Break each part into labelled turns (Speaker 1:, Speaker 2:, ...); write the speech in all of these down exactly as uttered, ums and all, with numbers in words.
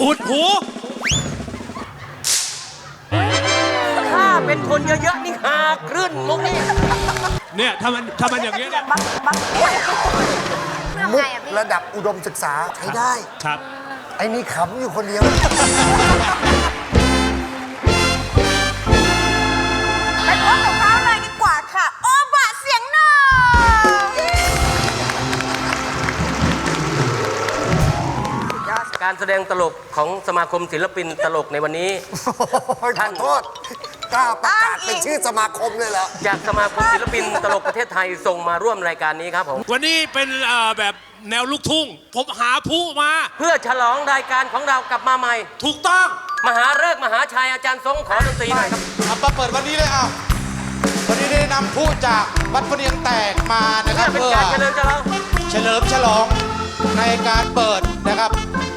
Speaker 1: อุดหู
Speaker 2: ถ้าเป็นคนเยอะๆนี่หาคลื่นมุกนี่
Speaker 1: เนี่ยถ้ามันถ้ามันอย่างเงี้ยเนี่ย
Speaker 3: มุกระดับอุดมศึกษาใช้ได้
Speaker 1: ครับ
Speaker 3: ไอ้นี่ขำอยู่คนเดียว
Speaker 4: ไปพบกับเขาเลยดีกว่าค่ะโอบะเสียงหนึ่ง
Speaker 2: การแสดงตลกของสมาคมศิลปินตลกในวันนี้
Speaker 3: ท่านโทษกล้าประกาศเป็นชื่อสมาคมเลยเหรอ
Speaker 2: จากสมาคมศิลปินตลกประเทศไทยส่งมาร่วมรายการนี้ครับผม
Speaker 1: วันนี้เป็นแบบแนวลูกทุ่งผมหาผู้มา
Speaker 2: เพื่อฉลองรายการของเรากลับมาใหม่
Speaker 1: ถูกต้อง
Speaker 2: มหาฤกษ์มหาชัยอาจารย์ทรงขอดนตรีหน่อยครับ
Speaker 5: เอามาเปิดวันนี้เลยอ่ะวันนี้ได้นำผู้จากวัดพเนียงแตกมานะครับ
Speaker 2: เพื่อเป็นการเฉลิมฉลอง
Speaker 5: เฉลิมฉลองในการเปิดนะครับ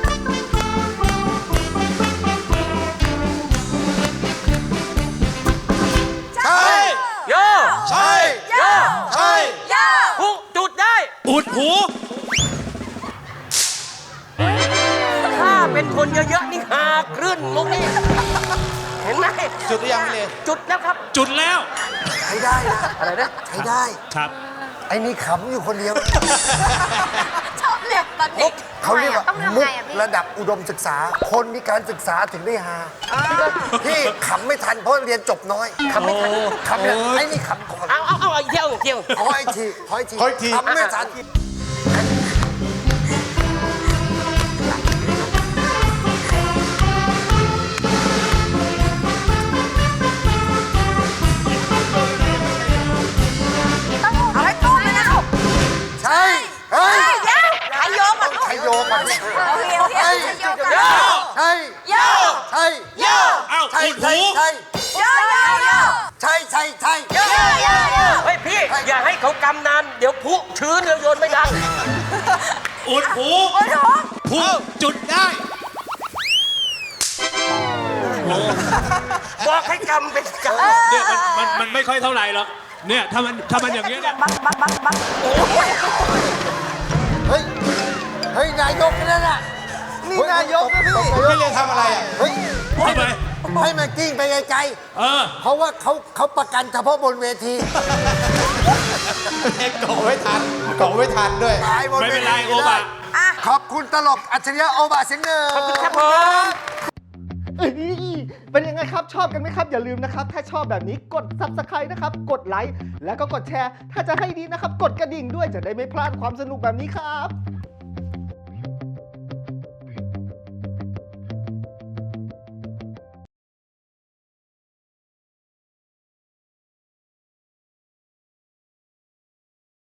Speaker 5: ใช่
Speaker 2: โย
Speaker 5: ใช่
Speaker 2: โย
Speaker 5: ใช่
Speaker 4: โย
Speaker 2: ผู้จุดได้
Speaker 1: อุดหู
Speaker 2: ถ้าเป็นคนเยอะๆนี่หาคลื่นมุกนี่เห็นไหม
Speaker 5: จุดหรือยังพี่เล
Speaker 2: จุดแล้วครับ
Speaker 1: จุดแล้ว
Speaker 3: ใช้ได้นะ
Speaker 2: อะไรนะ
Speaker 3: ใช้ได้
Speaker 1: ครับ
Speaker 3: ไอ้นี่ขำอยู่คนเดียว
Speaker 4: ชอบเรียกตอนเด็ก
Speaker 3: เขาเรียกว่ามุกระดับอุดมศึกษาคนมีการศึกษาถึงได้ฮาพี่ขำไม่ทันเพราะเรียนจบน้อย
Speaker 2: ขำไม่ทัน
Speaker 3: ขำเนี่ยไอ้นี่ขำก่อน
Speaker 2: เอาเอาเอาอีกเที่ยวอีกเที่ยว
Speaker 3: ขออีกทีขออีกที
Speaker 5: ขออีกที
Speaker 3: ขำไม่ทัน
Speaker 4: เอาให้ตู้เลยนะลูก
Speaker 3: ใช่เฮ้ย
Speaker 4: เดี๋ยวใช้โยกก่อนลูก
Speaker 3: ใช้โยกก่อน
Speaker 4: เอาเฮียวเฮียวใช้โยกก่อน
Speaker 3: ใช่
Speaker 4: โยก
Speaker 3: ใช่
Speaker 4: โยก
Speaker 1: เอ้าอุดหู
Speaker 3: ใช่
Speaker 4: โยกโยกโยก
Speaker 3: ใช่ใช่ใช่
Speaker 4: โยกโยกโยก
Speaker 2: เฮ้ยพี่อย่าให้เขากำนานเดี๋ยวพุชื้นเดี๋ยวโยนไม่ดัง
Speaker 1: อุดหู
Speaker 4: อุดหู
Speaker 1: ผู้จุดได้
Speaker 2: บอกให้กำเป็นกำ
Speaker 1: เนี่ยมันมันมันไม่ค่อยเท่าไหร่หรอกเนี่ยถ้ามันถ้ามันอย่างเงี้ยเนี่ย
Speaker 3: เฮ้ยเฮ้ยนายกนั่นน่ะนี่นายกนะพี่
Speaker 5: พี่เลทำอะไรอ่ะ
Speaker 3: เฮ้ย
Speaker 1: ทำไม
Speaker 3: ให้มันกิ้งไปไกลๆเออเพราะว่าเขาเขาประกันเฉพาะบนเวที
Speaker 5: เอ็กโกไม่ทันโกไม่ทันด้วย
Speaker 1: ไม่เป็นไรโอบะ
Speaker 3: ขอบคุณตลกอัจฉริยะโอบะเสียงหนึ่ง
Speaker 2: ขอบคุณครับผม
Speaker 6: เป็นยังไงครับชอบกันไหมครับอย่าลืมนะครับถ้าชอบแบบนี้กด ซับสไครบ์ นะครับกดไลค์แล้วก็กดแชร์ถ้าจะให้ดีนะครับกดกระดิ่งด้วยจะได้ไม่พลาดความสนุกแบบนี้ครับ